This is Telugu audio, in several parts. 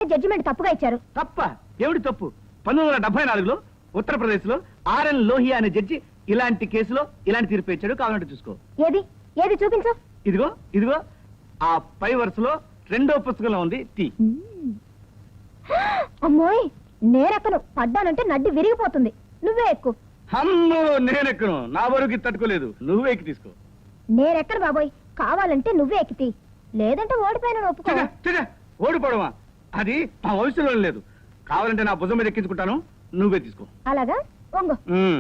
జడ్జిమెంట్ తప్పుగా ఇచ్చారు. తప్ప? ఏమిటి తప్పు? 1974లో ఉత్తరప్రదేశ్ లో ఆర్ఎన్ లోహియా అనే జడ్జి ఇలాంటి కేసులో ఇలాంటి తీర్పు ఇచ్చాడు. కావాలంటే చూసుకో. ఏది ఏది చూపించు. ఇదిగో ఇదిగో ఆ పై వరుసలో 2వ పుస్తకంలో ఉంది. టీ. అమ్మోయ్, నేనెక్కను. పడ్డానంటే నడ్డి విరిగిపోతుంది. నువ్వే ఎక్కు. అమ్మో, నేనెక్కను. నా వరకు తట్టుకోలేదు. నువ్వే ఎక్కి తీసుకో. నేనెక్కను బాబోయ్. కావాలంటే నువ్వే ఎక్కితి, లేదంటే ఓడిపోయిన ఒప్పుకో. ఓడిపోవడమా? అది మా వయసులో లేదు. కావాలంటే నా భుజం మీద ఎక్కించుకుంటాను. నువ్వే తీసుకో. అలాగా? వంగు.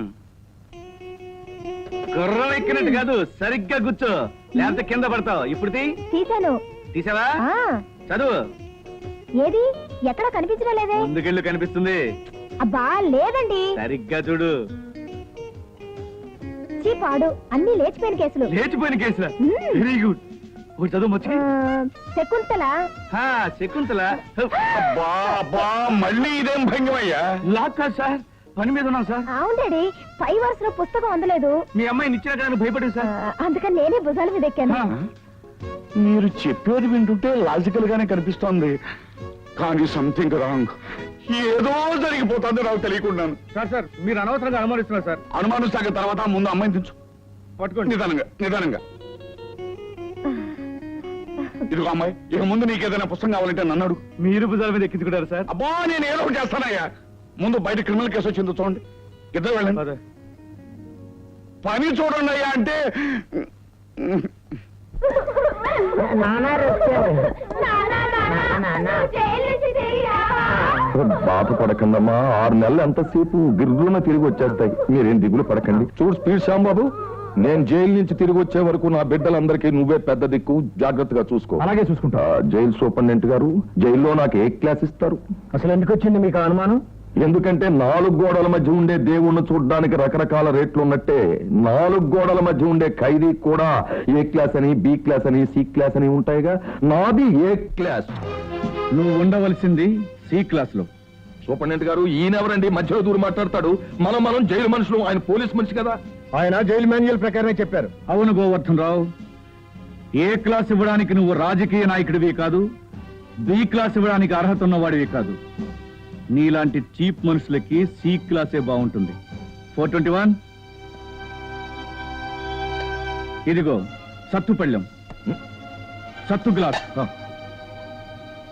గుర్రం ఎక్కినట్టు కాదు, సరిగ్గా కూర్చో, లేకపోతే కింద పడతావు. ఇప్పుడు తీసాను. తీసావా? చదువు. ఏది? ఎక్కడ కనిపించడం లేదే. ముందుకెళ్ళు, కనిపిస్తుంది. అబ్బా లేదండి. సరిగ్గా చూడు. చీపాడు, అన్ని లేచిపోయిన కేసులు. లేచిపోయిన కేసులా? Very good. ఒకటి చదువు వచ్చి. శకుంతల. శకుంతల. మళ్ళీ ఇదేం భంగమయ్యా? లాక్ కాదు సార్, పని మీద ఉన్నాం సార్. అవును డాడీ, పై వరుసలో పుస్తకం అందలేదు. మీ అమ్మాయిని ఇచ్చిన కానీ భయపడింది సార్. అందుకని నేనే భుజాల మీద ఎక్కాను. మీరు చెప్పేది వింటుంటే లాజికల్ గానే కనిపిస్తోంది, కానీ సంథింగ్ రాంగ్. ఏదో జరిగిపోతుంది నాకు తెలియకుండాను. సార్ మీరు అనవసరంగా అనుమానిస్తున్నారు సార్. అనుమానిస్తాక తర్వాత ముందు అమ్మాయిని తెచ్చు. పట్టుకోండి. నిదానంగా. ఇదిగో అమ్మాయి, ఇక ముందు నీకేదైనా పుస్తకం కావాలంటే నన్ను అడుగు. మీరు భుజాల మీద ఎక్కించుకుంటారు సార్. అబ్బా, నేను ఏదో ఒకటి చేస్తానయ్యా. ముందు బయట క్రిమినల్ కేసు వచ్చిందో చూడండి. ఇద్దరు వెళ్ళండి. పని చూడండి అయ్యా అంటే బాధపడకండమ్మా. 6 నెలలు ఎంతసేపు గిర్రున తిరిగి వచ్చేస్తాయి. మీరేం దిగులు పడకండి. చూడు స్పీడ్ శ్యాంబాబు, నేను జైలు నుంచి తిరిగి వచ్చే వరకు నా బిడ్డలందరికీ నువ్వే పెద్ద దిక్కు. జాగ్రత్తగా చూసుకో. అలాగే చూసుకుంటా. జైలు సూపరింటెండెంట్ గారు, జైల్లో నాకు ఏ క్లాస్ ఇస్తారు? అసలు ఎందుకు వచ్చింది మీకు అనుమానం? ఎందుకంటే 4 గోడల మధ్య ఉండే దేవుణ్ణి చూడడానికి రకరకాల రేట్లు ఉన్నట్టే 4 గోడల మధ్య ఉండే ఖైదీ కూడా ఏ క్లాస్ అని, బి క్లాస్ అని, సి క్లాస్ అని ఉంటాయిగా. నాది ఏ క్లాస్. నువ్వు ఉండవలసింది సి క్లాస్ లో. సూపరింటెండెంట్ గారు, ఈయనెవరండి మధ్యలో దూరం మాట్లాడతాడు? మనం జైలు మనుషులు, ఆయన పోలీస్ మనిషి కదా. ఆయన జైలు మాన్యువల్ ప్రకారమే చెప్పారు. అవును గోవర్ధన్ రావు, ఏ క్లాస్ ఇవ్వడానికి నువ్వు రాజకీయ నాయకుడివి కాదు, బి క్లాస్ ఇవ్వడానికి అర్హత ఉన్నవాడివి కాదు. నీలాంటి చీప్ మనుషులకి సి క్లాసే బాగుంటుంది. 421. ఇదిగో సత్తు పళ్ళెం, సత్తు గ్లాస్.